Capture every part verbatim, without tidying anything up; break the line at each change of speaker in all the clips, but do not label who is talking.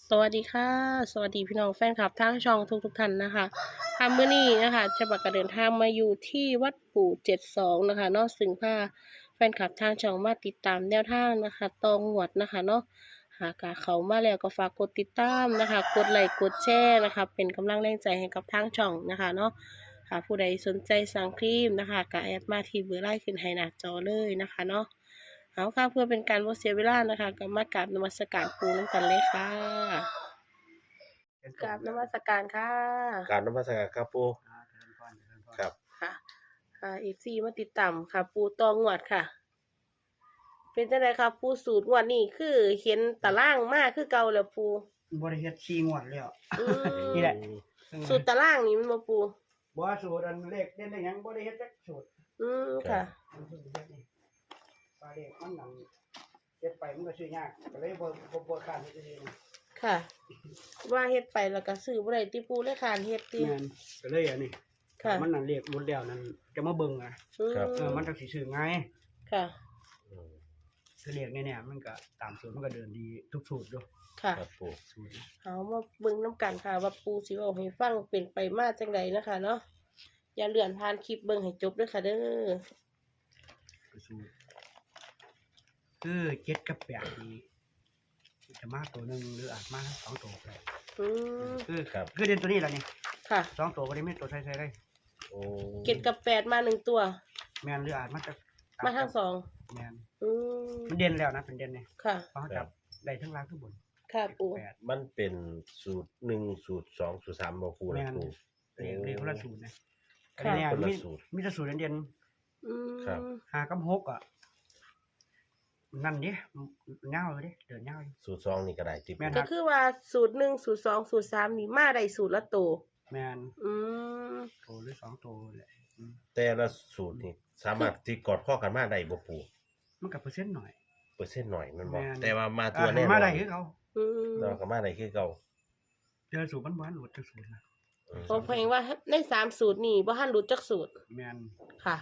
สวัสดีค่ะสวัสดีพี่น้องแฟนคลับทั้งช่องทุกทุกท่านนะคะทำมื้อนี้นะคะจะบักกระเดินทางมาอยู่ที่วัดปู่เจ็ดสองนะคะเนาะซึ่งพาแฟนคลับทางช่องมาติดตามแนวทางนะคะตองหวดนะคะเนาะหากาเขามาแล้วก็ฝากกดติดตามนะคะกดไลค์กดแชร์นะคะเป็นกำลังแรงใจให้กับทางช่องนะคะเนาะหากผู้ใดสนใจสั่งครีมนะคะก็แอดมาที่เบอร์ไลน์ขึ้นให้หน้าจอเลยนะคะเนาะ เอาค่ะเพื่อเป็นการบ่เสียเวลานะคะก็มากราบนมัสการปูน้ำกันเลยค่ะกราบนมัสการค่ะ
กรารนมัสการครับปู
อ่าเจริญพรเจริญพร
ครับ
ค่ะค่ะเอฟซีมาติดตามค่ะ ปูตองงวดค่ะ เป็นจังไดครับปูสูตรงวดนี้คือเห็นตารางมากคือเก่าแล้วปู
บริเฮ็ดสี่งวดแล้ว
อื
นี่แหละ
มสูตรตารางนี่มันบ่ปู
บ่ว่าสูตรอันเลขเด่นได้หยังบ่ได้เฮ็ดจักสูตร
อืมค่ะ
มันสูตรเฮ็ดนี่ปลาเลขมันนั่นเฮ็ดไปมันก็ซื้อยากก็เลยบ่บ่บ่คร้านเฮ็ดเอง
ค่ะ ว่าเฮ็ดไปแล้วก็ซื้อบ่ได้ติปูเลยคร้านเฮ็ดติ
แม่นก็เลยอันนี้
ค่ะ
มันนั่นเลขหมดแล้วนั่นจะมาเบิ่งอ่ะ
อืม
เออมันจังสิซื้อง่าย
ค่ะ
อืม
คือเลขเนี่ยๆมันก็ตามสูตรมันก็เดินดีทุกสูตรอยู่
ค่ะ
ครับปู
สูตร
เอามาเบิ่งน้ำกันค่ะว่าปูสิเอาให้ฟังเป็นไปมาจังไดนะคะเนาะอย่าเลื่อนผ่านคลิปเบิ่งให้จบด้วยค่ะเด้อ
คือสูตรคือเจ็ดกับแปดนี่จะมาตัวหนึงหรืออาจมาทั้งสองตัวก็ได้
อืม
คือ
ครับ
คือเด่นตัวนี้แหละนี่
ค่ะ
สองตัวก็ได้ไม่ตัวใส่ๆได้
โอ้
เก็ดกับแปดมาหนึ่งตัว
แมนหรืออาจมันจะ
มาทั้งสอง
แมน
อืม
มันเด่นแล้วนะเป็นเด่นเนี่ย
ค่ะ
เพราะเขาจับได้ทั้งล่างทั้งบน
ค่ะปู
แปด
มันเป็นสูตรหนึ่งสูตรสองสูตรสามบ่ปู
แม
นะ
น
ปู
เรียกเรียกคนละสูตรนะ
ค่ะ
เนี่ย
คนละ
มี
สูตร
มีแต่สูตรเด่น
อืม
ครับ
ๆหากับหกอ่ะนั่นดิเงาเลยดิเดินเงาอยู่
สูตรสองนี่ก็ได้ติ
แม่น
ก็คือว่าสูตรหนึ่งสูตรสองสูตรสามนี่มาได้สูตรละตัว
แมน
อืม
โตหรือสองโตแหละอืม
แต่ละสูตรนี่สามารถที่กอดข้อกันมาได้บ่ปู
มันกับเปอร์เซ็นต์หน่อย
เปอร์เซ็นต์หน่อยมันบ่
แม่น
แต่ว่ามาตัวแน่นอน
มาได้คือเขา
อืม
เราก็มาได้คือเก่า
เจอสูตรมันบ้านหลุดจากสูตรนะ
อืม
ผมเพลงว่าในสามสูตรนี่บ่ทันรู้จักสูตร
แมน
ค่ะ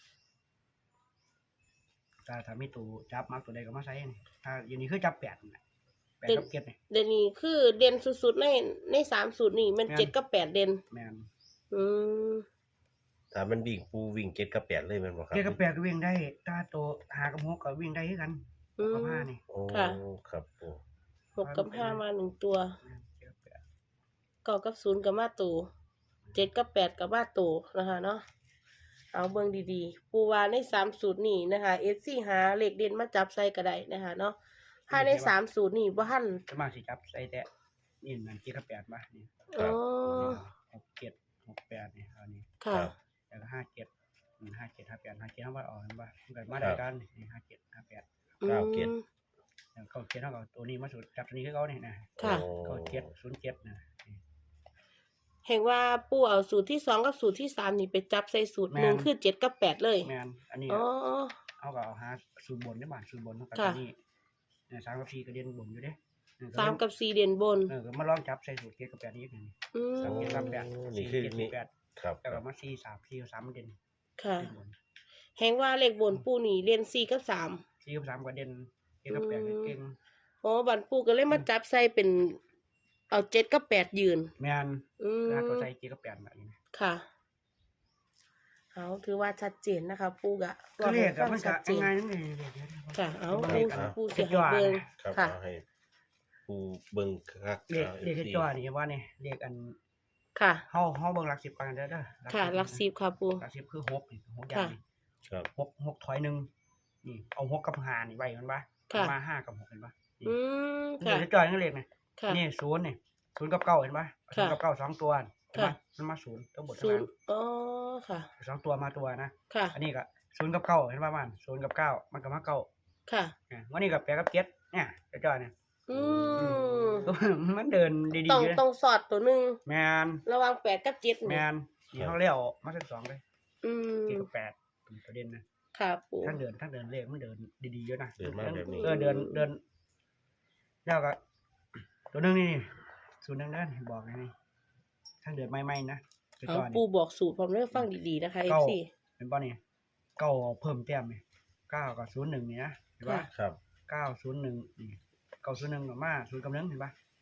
ถ้าถ้ามีตัวจับมักตัวใดก็มาใส่นี่ถ้าอย่างนี้คือจับแปดน่ะแปดกับเจ็ดนี่
เด่นนี่คือเด่นสุดๆในในสามสูตรนี่มัน
แม่น
เจ็ดกับแปดเด่น
แมน
อืม
ถ้ามันวิ่งปูวิ่งเจ็ดกับแปดเลยแมันบ่ครับ
เจ็ดกับแปดก็วิ่งได้ถ้าตัวหากับหกก็วิ่งได้คือกัน
อื
กับ
ม
ห้านี่
โอ้
ค่ะ
ครับปู
หกกับห้ามาหนึ่งตัว
เจ็ดกับแปด
เก้ากับศูนย์กับมาตูเจ็ดกับแปดกับมาตูนะคะเนาะเอาเบิ่งดีๆ ปูวาในสามสูตรนี่นะคะเอฟซีหาเลขเด่นมาจับใส่ก็ได้นะคะเนาะถ้าในสามสูตรนี่บ่ทัน
สมาสิจับใส่แต่นี่มันเจ็ดกับแปดมานี่
ครั
อ๋
บ
อ
หกเจ็ดหกแปดนี่เอานี่
ค่ะ
แล้วก็ห้าเจ็ดอืมห้าเจ็ดห้าแปดห้าเจ็ดห้าว่าออกกันว่ามันก็มาได้กันนี่ห้าเจ็ดห้าแปด
เก้าเจ็ด
อืม
แล้วเก้าเจ็ดเท่ากับตัวนี้มาสูตรจับตัวนี้คือเขาเนี่ยนะ
ค่ะ
โอ้
เก้าเจ็ดศูนย์เจ็ดนะนี่
เห็นว่าปูเอาสูตรที่สองกับสูตรที่สามนี่ไปจับใส่สูตรหนึ่งคือเจ็ดกับแปดเลย
แมนอันนี้
อ๋อ
เอาก็เอาหาสูตรบนได้บ้านสูตรบนเท่ากับ
ค่ะ
ตัวนี้เนี่ยสามกับสี่ก็เด่นบนอยู่เด้เออก็
สามกับสี่เด่นบน
เออก็มาลองจับใส่สูตรเจ็ดกับแปดนี้กันนี่
อืม
สามเจ็ดกับแปด
นี่
สี่
คือ
เจ็ด
นี่
แปด
ครับ
แล้วก็มาสี่สามสี่กับสามมันเด่น
ค่ะ
เด่นบน
เห็นว่าเลขบนปูนี่เรียนสี่กับสาม
สี่กับสามก็เด่นเจ็ดกับแปดก็เก่ง
อ๋อบันปูก็เลยมาจับใส่เป็น เอาเจ็ดกับแปดยืน
แมน
อืม
แล้วตัวใส่เจ็ดกับแปดแบบนี้
ค่ะ เอาถือว่าชัดเจนนะคะ ปูกะ
ก็เรียก
ฟั
กับมัน
ชั
ก็
ดเจน
ง่ายๆนั่นเองเรียก
ค่ะ เอา
เรี
ปู
ยกกัน
ปูเสียหายเบิง
ครับ
ค่ะ
เอาให้ปูเบิ่งคัก
เรียก
อา
เรียก
FC
จอนี่ว่านี่เรียกอัน
ค่ะ
เฮาเฮาเบิ่งหลักสิบก่อนเด้อเด้อ
ค่ะหลักสิบค่ะปู
หลักสิบคือหกนี่หกอย่างนี่
ครับ
หกหกถอยหนึ่งนี่เอาหกกับห้านี่ไว้มันปะ
ค่ะ
มาห้ากับหกเห็นปะนี่
อืม
เดี๋
ค่ะ
ยวจะจอยนั่นเลขนี่
ค่ะ
นี่ศูนย์นี่ศูนย์กับเก้าเห็นปะศูนย์กับเก้าสองตัวเห็นปะ
ค่ะ
มันมาศูนย์ทั้งหมดทั้
ศู
ง
น
นั้
ย์
น
อ๋อค่ะ
สองตัวมาตัวนะ
ค่ะ
อันนี้ก็ศูนย์กับเก้าเห็นปะมันศูนย์กับเก้ามันก็มาเก้า
ค่ะ
อ่ะวันนี้กับแปดกับเจ็ดเนี่ยจะจอยเนี่ย
อืม
มันเดินดี
ต้อง
ๆเลย
ต้องสอดตัวหนึ่ง
แมน
ระหวังแปดกับเจ็ด
แม
นี่
นนี่เขาเรียกมาสิบสองเลย
อืม
เจ็ดกับแปดเป็นประเด็นนะ
ค่ะปู
ทั้งเดินทั้งเดินเลขมันเดินดีๆเยอะนะ
เดินมาแบบนี้
เออเดินเดินแล้วก็ตัวหนึงนี่ศูนย์หนึงนั่นบอกไงนี่ทั้งเดินไม่ๆนะไป
เอา
ก่อน
ปู
นี่
บอกสูตรผมเลือกฟังดีๆนะคะเอ
เก้า
ฟซี
เป็นป้อนี่เก้าเพิ่มแต้มนี่เก้ากับศูนย์หนึ่งนี่นะเห็นปะ
ค่ะ
ครับ
เก้าศูนย์หนึ่งนี่เก้าศูนย์หนึ่งกับมาศูนย์กับหนึ่งเห็นปะ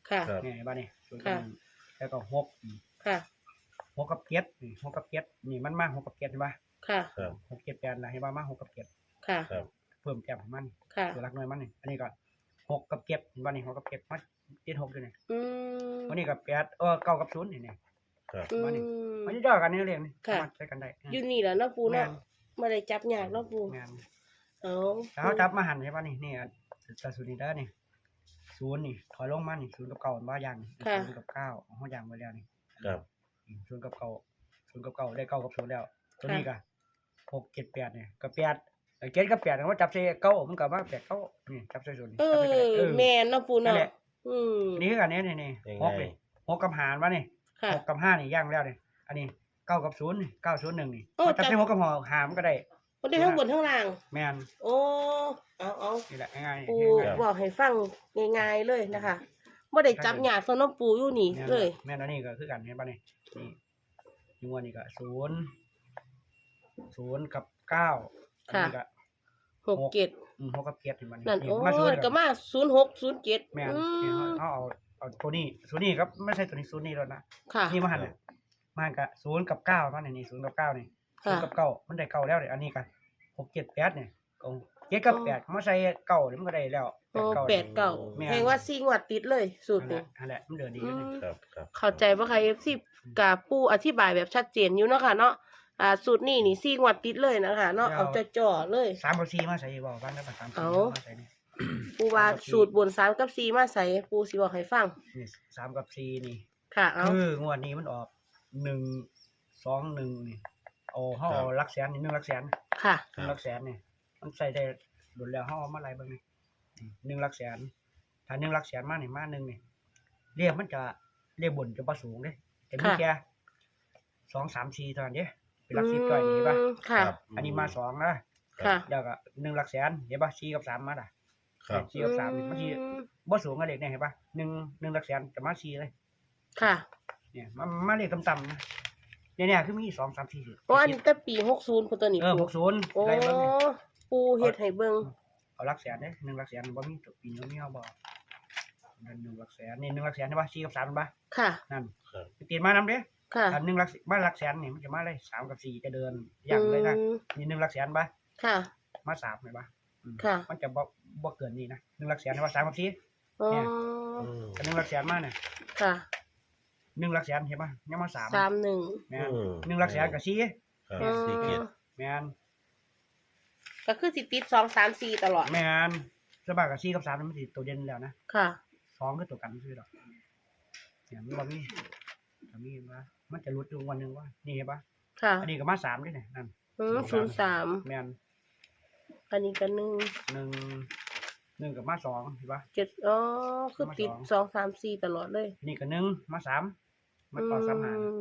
ค่ะ
ครับ
นี่บ้านนี่ศูนย์กับ
ค่ะ
หนึ่งแล้วก็หกอืม
ค่ะ
หกกับเจ็ดนี่หกกับเจ็ดนี่มันมาหกกับเจ็ดใช่ปะ
ค่ะ
ครับ
หกเจ็ดแปดนะให้ว่ามาหกกับเจ็ด
ค่ะ
ครับ
เพิ่มแต้มของมัน
ค่ะ
ตัวรักน้อยมันนี่อันนี้ก็หกกับเจ็ดเห็นบ้านนี่หกกับเจ็ดมันติดหกอยู่นี่
อืม
วันนี้กับแปดเออเก้ากับศูนย์นี่นี่
ครับ
อื
มานี่
ม
มันจะย่อกันนี่เรียงนี่
ค่ะ
สามารถใช้กันได้
อยู่นี่แหละเนาะปู
แม่
เนาะ
น
ไม่ได้จับยากเนาะปู
งาน
เอา
แล้วเขาจับมาหันใช่ป่ะนี่นี่ตาศูนย์นี่ได้อนี่ศูนย์นี่ถอยลงมานี่ศูนย์กับเก้ามันว่าอย่างนี่ศูนย์กับเก้าเขาอย่างไว้แล้วนี่
ครับ
อืมศูนย์กับเก้าศูนย์กับเก้าได้เก้ากับศูนย์แล้ว ตัวนี้ก็หกเจ็ดแปดเนี่ยกับแปดเอ้ยเจ็ดกับแปดเขาจับใส่เก้ามันกับว่าแปดเก้านี่จับใส่ศูนย์นี่
เอ
จับใส่กันได้
อ
เออ
แม่นเนาะปู
นั่น
เนาะ
แหละ
อืม
นี่คือกันนี้นี่นี่
ยัง
ห
ไง
กนี่หกกับหารวะนี่
ค่ะ
หกกับห้านี่ย่างแล้วนี่อันนี้เก้ากับศูนย์นี่เก้าศูนย์หนึ่งนี่
โอ้
จับ
จับ
ใส่หกกับหอหามก็ได้
บ่ได้ทั้งบนทั้งล่าง
แม่น
โอ้เอาเอา
นี่แหละง่ายๆ
ปู
ง่ายๆ
บอกให้ฟังง่ายๆเลยนะคะบ่ได้จับยากสำหรับปูอยู่นี่
แม่น
เลย
แม่นอันนี้ก็คือกันเห็นป่ะนี่นี่อยูอันนี้ก็ศูนย์ศูนย์กับเก้าอันนี้ก็
หกเจ็ด
อืมหกกับเจ็ดเห็นป่ะ
นั่น
นี่
โอ้
มาศูน
ย
ย์
ก็มาศูนย์หกศูนย์เจ็ด
แม่น
อื
นี่
ม
เขาเอาเอาตัวนี้ศูนย์นี่ครับไม่ใช่ตัวนี้ศูนย์นี่แล้วนะ
ค่ะ
นี่มาหันเนี่ยมาหันกับศูนย์กับเก้ามาเนี่ยนี่ศูนย์กับเก้านี่ศูน
ค่ะ
ย์กับเก้ามันได้เก้าแล้วเนี่ยอันนี้ก็หกเจ็ดแปดเนี่ยเอาเจ็ดกับแปดมาใส่เก้าเนี่ยมันก็ได้แล้ว
โอ้
ก้า
แปดเก้า
แม่น
แพงว่าซีงวดติดเลยสูตร
นั่นแห
นี้
ละนั่นแหละมันเดินดี
อื
อยู่นี่
ม
ครับครับ
เข้าใจว่าใคร เอฟ ซี กับปูอธิบายแบบชัดเจนอยู่เนาะค่ะเนาะอ่าสูตรนี้นี่ซีงวดติดเลยนะคะเนาะเอาจ่อๆเลย
สามกับสี่มาใส่บอกบ้างได้ปะสามกับ
เอา
สี่มาใส่นี่
ปูว่าสูตรบนสามกับสี่มาใส่ปูสิบอกให้ฟัง
นี่สามกับสี่นี่
ค่ะเอา
คืองวดนี้มันออกหนึ่งสองหนึ่งนี่เอาเขาเอาหลักแสนนี่หนึ่งหลักแสน
ค่ะ
หนึ่งหลักแสนนี่มันใส่ได้โดนแล้วเขาเอามาอะไรบ้างนี่นี่หนึ่งหลักแสนถ้าหนึ่งหลักแสนมานี่มาหนึ่งนี่เรียกมันจะเรียกบนจะประสูงเด้แต่มี
ค่ะ
แค่สองสามสี่เท่านั้นเด้เป็นหลักสิบก้อยนี่ป่ะ
อืมค่ะ
ครับ
อันนี้มาสองนะ
ค่ะ
เดี๋ยวก็หนึ่งหลักแสนเห็นป่ะสี่กับสามมาด่ะ
ครับ
สี่กับสามนี่มัน
อื
สี่
ม
บ่สูงกับเด็กเนี่ยเห็นป่ะหนึ่งหนึ่งหลักแสนจะมาสี่เลย
ค่ะ
เนี่ยมามาเลขต่ำๆนะเนี่ยเนี่ยคือมีสองสามสี่สี่
โอ้อันนี้แต่ปีหกศูนย์พุ่นตัวนี้
เออ
ปู
หกศูนย์
โอ้
ไรเบิ่งนี่
ปูเฮ็ดให้เบิ่ง
เอาหลักแสนเด้หนึ่งหลักแสนบ่มีตัวปีนี้มีเอาบ่นั่นหนึ่งหลักแสนนี่หนึ่งหลักแสนใช่ป่ะสี่กับสามป่ะ
ค่ะ
นั่น
ครับ
ไปตีนมานำเด้
ค่ะ
อันหนึ่งหลักมาหลักแสนนี่มันจะมาเลยสามกับสี่จะเดินอย่างเลยนะ
อืม
นี่หนึ่งหลักแสนป่ะ
ค่ะ
มาสามเลยป่ะอืม
ค่ะ
มันจะบ่บ่เกินนี่นะหนึ่งหลักแสนใช่ป่ะสามกับสี่
อ๋อ
เนี่ย
อืม
อันหนึ่งหลักแสนมาเนี่ย
ค่ะ
หนึ่งหลักแสนเห็นป่ะยังมาสาม
สามหนึ่ง
แม่น
อืม
หนึ่งหลักแสนกับสี่
ครับสี่เกียรติ
แม่น
ก็คือสิติดสองสามสี่ตลอด
แม่นสบายกับสี่กับสามมันสิตัวเด่นแล้วนะ
ค่ะ
สองคือตัวกันซื่อดอกเนี่ยมันบ่มีก็มีว่ามันจะหลุดอยู่วันหนึงว่านี่เห็นป่ะ
ค่ะ
อันนี้ก็มาสามด้วยเนี่ยนั่น
อืมศูนย์สาม
แม่น
อันนี้ก็หนึ่ง
หนึ่งหนึ่งกับมาสองเห็นป่ะ
เจ็ดอ๋อคือ
มา
ติด
สอง
สองสามสี่ตลอดเลย
นี่ก็หนึ่งมาสามมาต่อสามหาร
อืม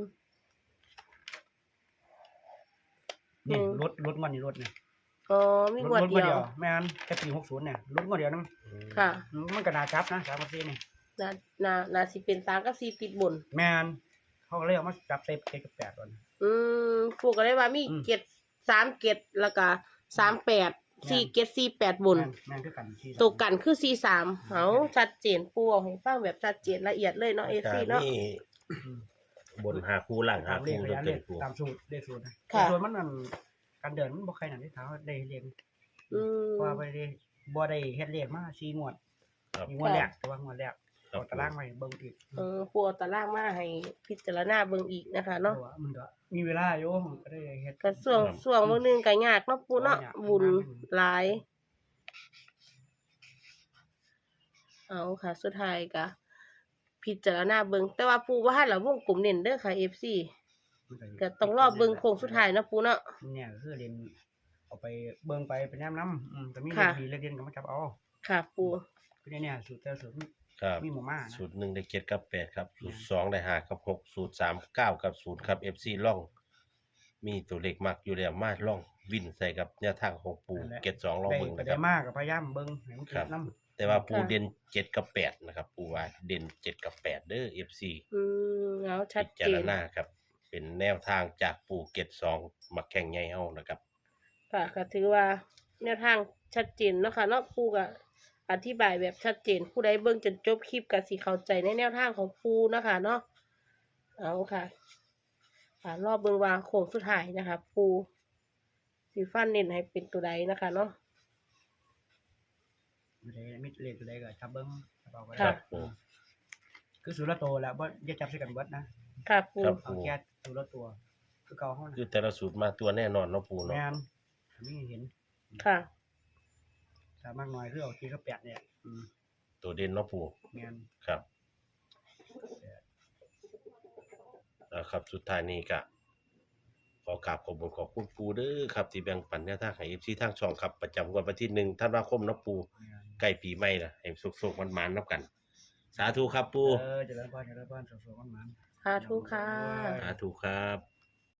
นี่
อืม
รถรถงวดนี่รถเนี่ย
อ๋อมี
รง
ว
ถ
ด
รถง
เดี
วด
ย
เดียว วแม่นแค่ปีหกศูนย์เนี่ยรถงวดเดียวนึง
ค่ะ
มันก็น่าจับนะสามกับสี่นี่
นานานาสิเป็นสามกับสี่ติดบน
แม่นเขาก็เลยเอามาจับเซฟเจ็ดกับแปดก่อน
อืมพวกก็ได้ว่ามี
อืม
เกตสามเกตแล้วก็สามแปดสี่เกตสี่แปดบน
แม่นแม่นคือกันที่
ตัวกันคือสี่สามเอาชัดเจนปูเอาให้ฟังแบบชัดเจนละเอียดเลยเนาะเอ
การ
ซีเนาะ
นี่บนหาคู่ล่างหา
ตามเล
คู่
ข
ตัว
ระยะเล
เต็
ข
มคู่
ตามสูตรเลขสูตรนะ
ค่ะ
ส่วนมันนั่นการเดินมันบ่ใครนั่นที่เท้าได้เรียน
อืม
ว่าบ่ได้บ่ได้เฮ็ดเลขมาสี่งวด
ครับ
มีงวดแรกแต่ว่างวดแรก
ครับ
เอาตารางไว้เบิ่งอีก
เออปูเอาตารางมาให้พิจารณาเบิ่งอีกนะคะเนาะ
พรว่มันก็มีเวลาอยู่มันก็ได้เฮ็ด
ก็ส่วงส่วงมื้อนึงก็ยากเนาะปูเนาะ
ยาก
บุญ
มาก
หลาย เอาค่ะ สุดท้ายก็พิจารณาเบิ่งแต่ว่าปูว่าให้ละวงกลมเน้นเด้อค่ะ เอฟ ซี
มัน
ก็ต้องรอเบิ่งโค้งสุดท้ายเนาะปูเนาะ
เนี่ยก็คือเรียนเอาไปเบิ่งไปเป็นแนมนำอืมแต่มีเล
ค่ะ
ขดีเลขเด่นก็มาจับเอา
ค่ะปู
คือเนี่ยสูตรแต่ละสูตร
ครับ
มีหมู่มานะ
สูตรหนึ่งได้เจ็ดกับแปดครับ สูตรสองได้ห้ากับหกสูตรสามเก้ากับศูนย์ครับเอฟซีล่อง มีตัวเลขมักอยู่แล้วมาล่องวินใส่กับแนวทางของปูเก็ตสองลอง
ได้
เบิ่ง
ก็
นะค
ได้
รับ
มากก็พยายามเบิ่งให้มัน
ครั
เกิ
บ
ดนำ
แต่ว่าปูเด่นเจ็ดกับแปดนะครับ ปูว่าเด่นเจ็ดกับแปดเด้อเอฟซี
อืมเอาชัด
พิ
เจ
จาร
น
ณาครับ เป็นแนวทางจากปูเก็ตสองมาแข่งใหญ่เฮานะครับ
ค่ะก็ถือว่าแนวทางชัดเจนเนาะค่ะเนาะปูก็อธิบายแบบชัดเจนผู้ใดเบิ่งจนจบคลิปก็สิเข้าใจในแนวทางของปูนะคะเนาะเอาค่ะค่ะรอบเบิ่งว่าโค้งสุดท้ายนะคะ ปูสิฟันเน้นให้เป็นตัวใดนะคะเนาะ
ไม่ได้มิดเลขตัวใดก็จับเบิ้งจับเอาไว้
ครับปู
คือสูตรละตัวแล้วว่าอย่าจับใส่กันเบิดนะ
ค่ะปู
ครับ
เอาแค่สูตรละตัว คือเก่าเฮา
คือ
นะ
แต่ละสูตรมาตัวแน่นอนเนาะปู
แม่
เนาะ
นมีเห็น
ค่ะ
ถ้ามากน้อยคือเอาที่เขาแปดเนี่ยอืม
ตัวเด่นเนาะปู
แม่น
ครับอ่าครับสุดท้ายนี้ก็ขอกราบขอบคุณขอบคุณปูเด้อครับที่แบ่งปันแนวทางให้ เอฟ ซี ทางช่องครับประจำวันที่หนึ่งธันวาคมเนาะปู
แม่น
ใกล้ปีใหม่ละให้สุกๆมันๆนับกัน สาธุครับปู
เออเจริญพรเจริญพรสุขๆมันๆ
สาธุค่ะ
สาธุครับ